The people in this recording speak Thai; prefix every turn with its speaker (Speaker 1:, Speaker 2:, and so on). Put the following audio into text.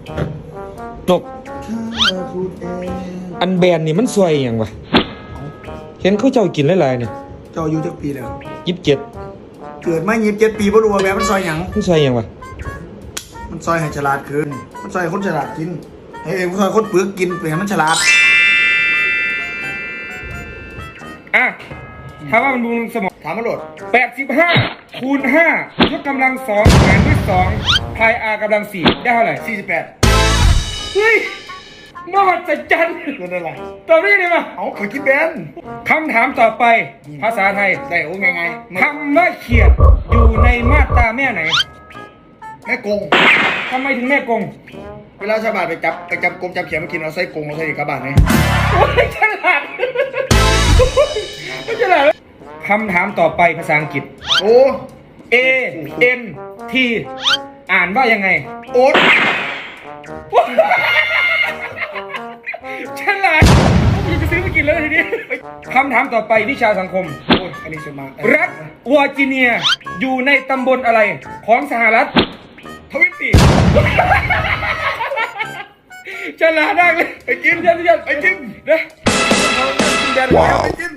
Speaker 1: นกอันแบนนี่มันสวยอย่างวะเห็นเขาเจ้ากินหลายๆเนี่ย
Speaker 2: เจ้าอายุจักปีแล้ว
Speaker 1: 27
Speaker 2: เกิดมา27 ปีบ่รู้ว่าแบบมันซอยหยัง
Speaker 1: มันสวยอย่างวะ
Speaker 2: มันซอยให้ฉลาดขึ้นมันซอยให้คนฉลาดกินให้เองซอยคนเปลือกกินเปลี่ยนมันฉลาด
Speaker 3: ถามว่ามันบำรุงสมอง
Speaker 2: ถามมาโหลด
Speaker 3: 85คูณ5ยกกำลัง2หารด้วย2พาย r กำลัง4ได้เท่าไหร่
Speaker 2: 48
Speaker 3: เฮ้ยมหัศจรรย์
Speaker 2: เงินอะไร
Speaker 3: ตอบได้ไหม
Speaker 2: เอาขอคิดแบน
Speaker 3: คำถามต่อไปภาษาไทย
Speaker 2: ได้โอ้ไง
Speaker 3: คำว่าเขียดอยู่ในมาตราแม่ไหน
Speaker 2: แม่กง
Speaker 3: ทำไมถึงแม่กง
Speaker 2: เวลาชาวบ้านไปจับกงจับเขียดมากินเราใส่กงเราใส่กระบาดไหม
Speaker 3: โอ้ยฉลาดไม่ฉลาดคำถามต่อไปภาษาอังกฤษ
Speaker 2: โอ้
Speaker 3: A N T อ่านว่ายังไง
Speaker 2: โอ๊ต
Speaker 3: ฉลาดผมจะซื้อมากินแล้วทีนี้คำถามต่อไปวิชาสังคม
Speaker 2: โอ้ยอันนี้สมา
Speaker 3: รัฐวอร์จิเนียอยู่ในตำบลอะไรของสหรัฐ
Speaker 2: ทวิตตี
Speaker 3: ฉลาดมากเลย
Speaker 2: ไปกิน
Speaker 3: ไปกิน
Speaker 2: ไปกิน
Speaker 3: นะ
Speaker 2: ว้าวไปกิน